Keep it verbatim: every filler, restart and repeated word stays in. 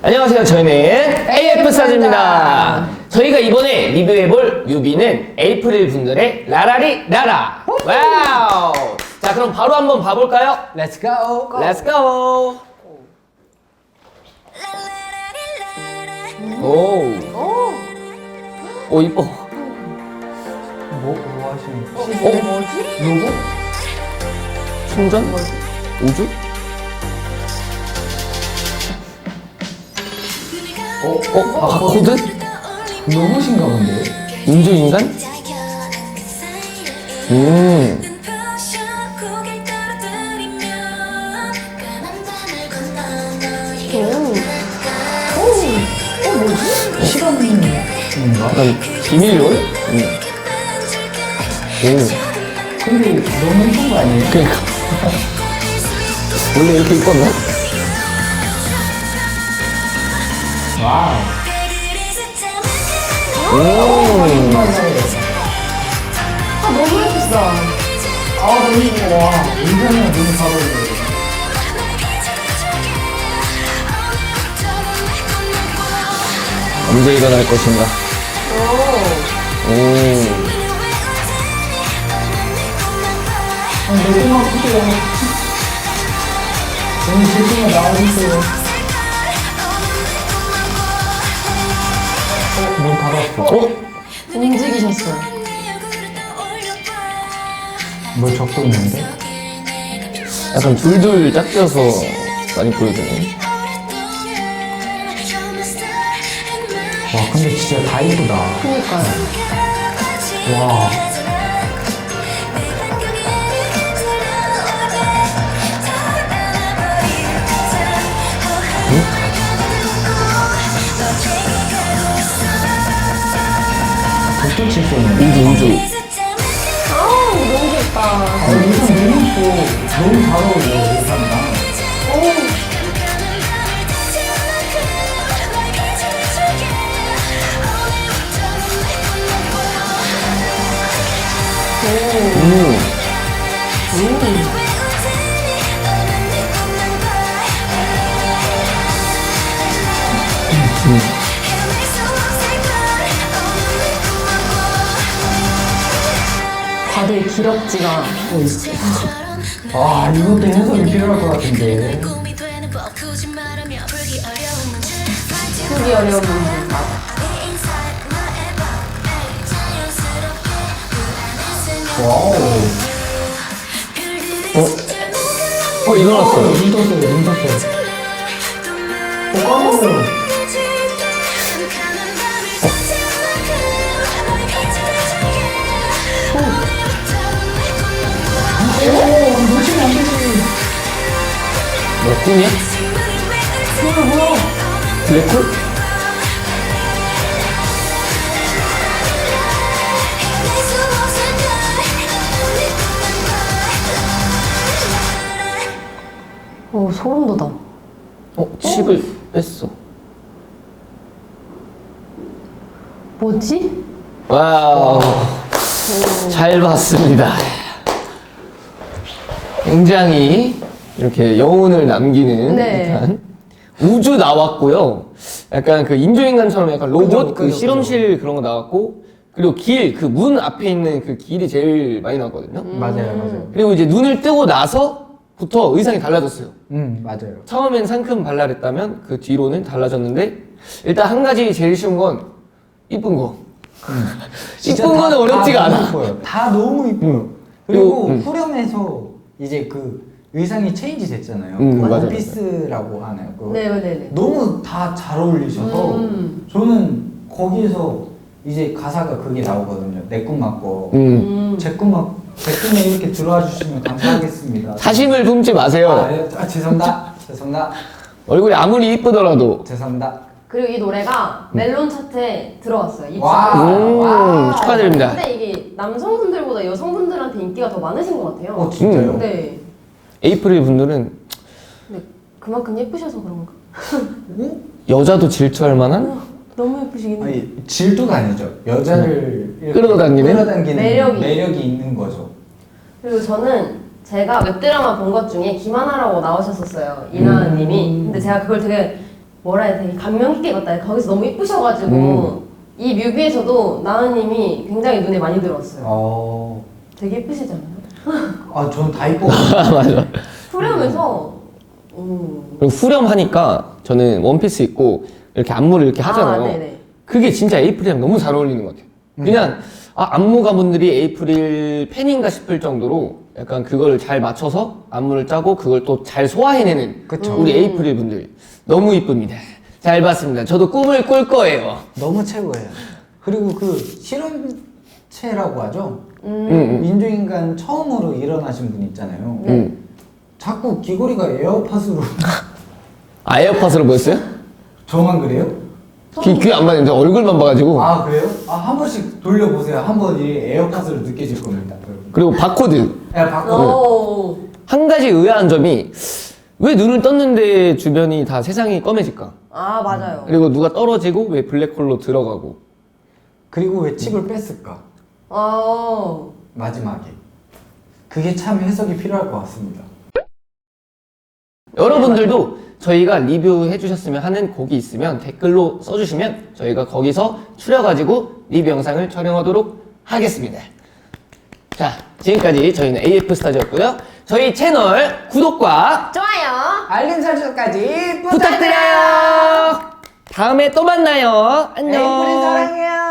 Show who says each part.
Speaker 1: 안녕하세요. 저희는 에이에프 스타즈입니다. 저희가 이번에 리뷰해볼 뮤비는 에이프릴 분들의 라라리 라라. 와우. 자, 그럼 바로 한번 봐볼까요?
Speaker 2: Let's go.
Speaker 1: Let's go. 오.
Speaker 3: 오,
Speaker 1: 오, 이뻐.
Speaker 2: 뭐, 뭐 하시는 거?
Speaker 3: 이게 뭐지?
Speaker 2: 로고?
Speaker 1: 충전? 우주?
Speaker 2: 어?
Speaker 1: 어? 아, 코드?
Speaker 2: 로봇인가 본데?
Speaker 1: 인조인간? 음.
Speaker 2: 시간인가?
Speaker 1: 난 비밀요원? 음. 오.
Speaker 2: 근데 너무 예쁜 거 아니에요?
Speaker 1: 그니까. 원래 이렇게 이뻤나?
Speaker 2: 와우.
Speaker 1: 음.
Speaker 3: 아, 너무 예쁘다.
Speaker 2: 아, 너무 예뻐. 와, 인간이랑 너무 잘 어울려.
Speaker 1: 언제 일어날 것인가?
Speaker 3: 오,
Speaker 1: 오.
Speaker 2: 아니, 내 꿈만 크게 너무 제품이 나와주세요. 어, 문 닫았어.
Speaker 1: 어?
Speaker 3: 움직이셨어요.
Speaker 2: 뭘 적동인데?
Speaker 1: 약간 둘둘 짝져서 많이 보여주네.
Speaker 2: 와, 근데 진짜 다 이쁘다.
Speaker 3: 그니까요.
Speaker 2: 와. 독도 칠수 있는.
Speaker 1: 우주, 우주.
Speaker 3: 아우, 너무 귀엽다.
Speaker 2: 아, 의상 너무 이뻐. 너무 잘 어울려, 의상이랑.
Speaker 3: 오,
Speaker 1: 음.
Speaker 3: 다들 기럭지가.
Speaker 2: 아, 이것도 해석이 필요할 것 같은데.
Speaker 3: 풀기 어려운 분들.
Speaker 2: 와우.
Speaker 1: 어? 어, 일어났어.
Speaker 2: 눈 떴어요, 눈 떴어요. 어, 깜짝이야. 오, 놓치면 안 되지.
Speaker 1: 뭐야, 꿈이야?
Speaker 2: 뭐야, 뭐야.
Speaker 1: 블랙홀?
Speaker 3: 오, 소름 돋아.
Speaker 1: 어, 칩을 뺐어.
Speaker 3: 뭐지?
Speaker 1: 와우. 잘 봤습니다. 굉장히 이렇게 여운을 남기는
Speaker 3: 네.
Speaker 1: 듯한 우주 나왔고요. 약간 그 인조인간처럼 약간 로봇
Speaker 2: 그죠,
Speaker 1: 그
Speaker 2: 그죠,
Speaker 1: 실험실 그런 거 나왔고, 그리고 길, 그 문 앞에 있는 그 길이 제일 많이 나왔거든요.
Speaker 2: 맞아요, 맞아요.
Speaker 1: 그리고 이제 눈을 뜨고 나서부터 의상이 달라졌어요.
Speaker 2: 음, 맞아요.
Speaker 1: 처음엔 상큼 발랄했다면 그 뒤로는 달라졌는데, 일단 한 가지 제일 쉬운 건 이쁜 거.
Speaker 2: 진짜
Speaker 1: 이쁜
Speaker 2: 다-
Speaker 1: 거는 어렵지가
Speaker 2: 다
Speaker 1: 않아.
Speaker 2: 너무 이뻐요. 다 너무 이뻐요.
Speaker 1: 음.
Speaker 2: 그리고
Speaker 1: 음.
Speaker 2: 후렴에서 이제 그 의상이 체인지 됐잖아요.
Speaker 1: 음,
Speaker 2: 그
Speaker 1: 맞아요,
Speaker 2: 원피스라고 하나요? 그거.
Speaker 3: 네네네.
Speaker 2: 너무 다 잘 어울리셔서
Speaker 3: 음.
Speaker 2: 저는 거기에서 이제 가사가 그게 나오거든요. 내 꿈만 꿔.
Speaker 1: 음.
Speaker 3: 음.
Speaker 2: 제 꿈만 제 꿈에 이렇게 들어와 주시면 감사하겠습니다.
Speaker 1: 사심을 품지 마세요.
Speaker 2: 아, 예. 아, 죄송합니다. 죄송합니다.
Speaker 1: 얼굴이 아무리 이쁘더라도.
Speaker 2: 죄송합니다.
Speaker 3: 그리고 이 노래가 멜론 차트에 들어갔어요. 이
Speaker 2: 와.
Speaker 3: 친구가.
Speaker 1: 음,
Speaker 2: 와.
Speaker 1: 축하드립니다.
Speaker 3: 근데 이게 남성분들보다 여성분들한테 인기가 더 많으신 것 같아요.
Speaker 2: 어, 진짜요?
Speaker 1: 음.
Speaker 3: 네.
Speaker 1: 에이프릴 분들은
Speaker 3: 근데 그만큼 예쁘셔서 그런가?
Speaker 2: 어?
Speaker 1: 여자도 질투할 만한
Speaker 3: 너무 예쁘시긴 해요.
Speaker 2: 아니, 질투가 아니죠. 여자를 이렇게
Speaker 1: 끌어당기는?
Speaker 2: 끌어당기는
Speaker 3: 매력이.
Speaker 2: 매력이 있는 거죠.
Speaker 3: 그리고 저는 제가 웹드라마 본 것 중에 김하나라고 나오셨었어요. 이나은님이.
Speaker 2: 음.
Speaker 3: 근데 제가 그걸 되게 뭐라 해야 되게 감명 깊게 봤다. 거기서 너무 이쁘셔가지고
Speaker 1: 음.
Speaker 3: 이 뮤비에서도 나은님이 굉장히 눈에 많이 들어왔어요.
Speaker 2: 어.
Speaker 3: 되게 예쁘시잖아요.
Speaker 2: 아, 저는 다 이뻐.
Speaker 1: 맞아.
Speaker 3: 후렴에서 음.
Speaker 1: 그리고 후렴하니까 저는 원피스 입고 이렇게 안무를 이렇게 하잖아요.
Speaker 3: 아, 네네.
Speaker 1: 그게 진짜 에이프릴이랑 너무 잘 어울리는 것 같아요. 그냥 아, 안무가분들이 에이프릴 팬인가 싶을 정도로 약간 그걸 잘 맞춰서 안무를 짜고 그걸 또 잘 소화해내는
Speaker 2: 그쵸.
Speaker 1: 우리 에이프릴 분들 너무 이쁩니다. 잘 봤습니다. 저도 꿈을 꿀 거예요.
Speaker 2: 너무 최고예요. 그리고 그 실험체라고 하죠.
Speaker 3: 음.
Speaker 1: 음,
Speaker 2: 인조인간 처음으로 일어나신 분 있잖아요.
Speaker 1: 음. 음.
Speaker 2: 자꾸 귀걸이가 에어팟으로
Speaker 1: 아 에어팟으로 보였어요?
Speaker 2: 저만 그래요?
Speaker 1: 귀, 귀 안 맞는데 얼굴만 봐가지고.
Speaker 2: 아 그래요? 아 한 번씩 돌려보세요. 한 번이 에어팟으로 느껴질 겁니다. 여러분.
Speaker 1: 그리고 바코드.
Speaker 2: 야 바꿔.
Speaker 3: 오.
Speaker 1: 한 가지 의아한 점이 왜 눈을 떴는데 주변이 다 세상이 검해질까?
Speaker 3: 아 맞아요.
Speaker 1: 그리고 누가 떨어지고 왜 블랙홀로 들어가고.
Speaker 2: 그리고 왜 칩을 뺐을까?
Speaker 3: 아.
Speaker 2: 마지막에. 그게 참 해석이 필요할 것 같습니다.
Speaker 1: 여러분들도 저희가 리뷰해 주셨으면 하는 곡이 있으면 댓글로 써주시면 저희가 거기서 추려가지고 리뷰 영상을 촬영하도록 하겠습니다. 자, 지금까지 저희는 에이에프 스타즈였고요. 저희 채널 구독과
Speaker 3: 좋아요.
Speaker 2: 알림 설정까지
Speaker 1: 부탁드려요. 다음에 또 만나요. 안녕.
Speaker 2: 에이프릴 사랑해요.